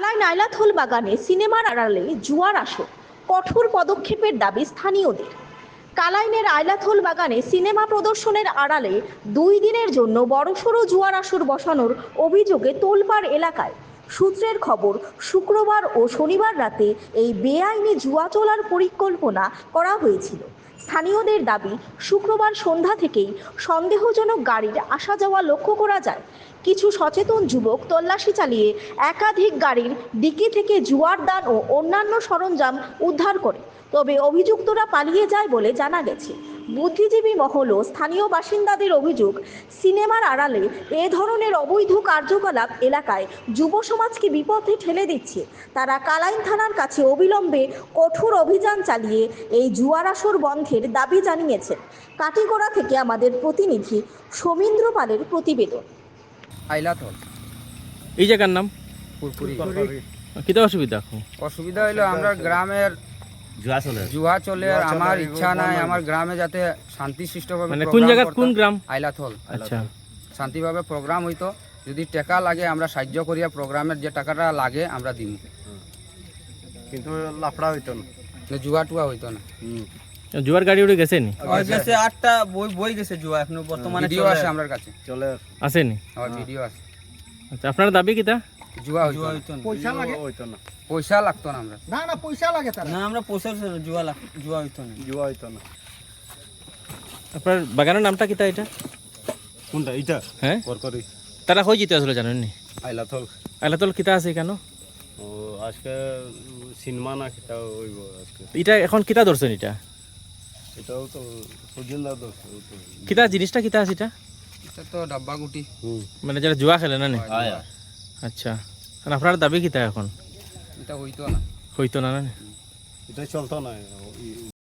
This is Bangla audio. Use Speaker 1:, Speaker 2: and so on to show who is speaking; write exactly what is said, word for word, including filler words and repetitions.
Speaker 1: কালাই নাইলাথল বাগানে সিনেমার আড়ালে জুয়ার আসর, কঠোর পদক্ষেপের দাবি স্থানীয়দের। কালাইনের আইলাথল বাগানে সিনেমা প্রদর্শনের আড়ালে দুই দিনের জন্য বড়সড় জুয়ার আসর বসানোর অভিযোগে তোলপাড় এলাকায়। সূত্রের খবর, শুক্রবার ও শনিবার রাতে এই বেআইনি জুয়া চলার পরিকল্পনা করা হয়েছিল। স্থানীয়দের দাবি, শুক্রবার সন্ধ্যা থেকেই সন্দেহজনক গাড়ির আসা যাওয়া লক্ষ্য করা যায়। কিছু সচেতন যুবক তল্লাশি চালিয়ে একাধিক গাড়ির ডিকি থেকে জুয়ার দান ও অন্যান্য সরঞ্জাম উদ্ধার করে, তবে অভিযুক্তরা পালিয়ে যায় বলে জানা গেছে। বুদ্ধিজীবী মহল ও স্থানীয় বাসিন্দাদের অভিযোগ, সিনেমার আড়ালে এ ধরনের অবৈধ কার্যকলাপ এলাকায় যুব সমাজকে বিপথে ঠেলে দিচ্ছে। তারা কালাইন থানার কাছে অবিলম্বে কঠোর অভিযান চালিয়ে এই জুয়ার আসর বন্ধের দাবি জানিয়েছেন। কাটিগড়া থেকে আমাদের প্রতিনিধি সমীন্দ্র পালের প্রতিবেদন।
Speaker 2: আইলাথল
Speaker 3: এই জায়গার নাম
Speaker 2: পুরপুরি।
Speaker 3: কিতা অসুবিধা?
Speaker 2: অসুবিধা হইলো আমরা গ্রামের
Speaker 3: জুয়া চলে
Speaker 2: জুয়া চলে, আর আমার ইচ্ছা নাই আমার গ্রামে যাতে শান্তি সৃষ্টভাবে
Speaker 3: মানে কোন জায়গা, কোন গ্রাম?
Speaker 2: আইলাথল।
Speaker 3: আচ্ছা,
Speaker 2: শান্তিভাবে প্রোগ্রাম হইতো, যদি টাকা লাগে আমরা সাহায্য করিয়া প্রোগ্রামের যে টাকাটা লাগে আমরা দিব,
Speaker 4: কিন্তু লাফড়া হইতো না,
Speaker 2: জুয়া টুয়া হইতো না।
Speaker 3: জুয়ার গাড়ি উড়ে গেছে নি?
Speaker 5: গেছে আটটা বই বই গেছে জুয়া এখনো বর্তমানে
Speaker 2: ভিডিও আছে আমার কাছে,
Speaker 4: চলে
Speaker 3: আসেনি?
Speaker 2: আমার ভিডিও আছে।
Speaker 3: আচ্ছা, আপনার দাবি কিতা?
Speaker 2: জুয়া হইতো
Speaker 5: জুয়া
Speaker 2: না,
Speaker 5: হইতো না।
Speaker 4: পয়সা লাগে হইতো না,
Speaker 2: পয়সা লাগতো না। আমরা
Speaker 4: না না পয়সা লাগে তার
Speaker 5: না আমরা পয়সা জুয়া লাগ- জুয়া হইতো না।
Speaker 4: জুয়া হইতো না।
Speaker 3: আপনার বাগানের নামটা কিতা এটা?
Speaker 4: কোনটা এটা?
Speaker 3: হ্যাঁ,
Speaker 4: করকরি
Speaker 3: তারা হয়ে যেতে আসলে জানেন নি?
Speaker 4: আইলাথল।
Speaker 3: আইলাতল কিতা আছে কেন?
Speaker 4: ও আজকে সিনেমা না কিতা হইব আজকে।
Speaker 3: এটা এখন কিতা ধরছেন? এটা
Speaker 4: এটাও তো সুজিন্দা দোষ তো।
Speaker 3: কিতা জিনিসটা কিতা আছে এটা?
Speaker 2: এটা তো ডাব্বা গুটি।
Speaker 4: হুম
Speaker 3: মানে যারা জুয়া খেলে না নি?
Speaker 2: হয়,
Speaker 3: আচ্ছা, আর আপনার দাবি কিতা এখন?
Speaker 2: এটা হইতো না।
Speaker 3: হইতো না না?
Speaker 4: এটা চলতো না।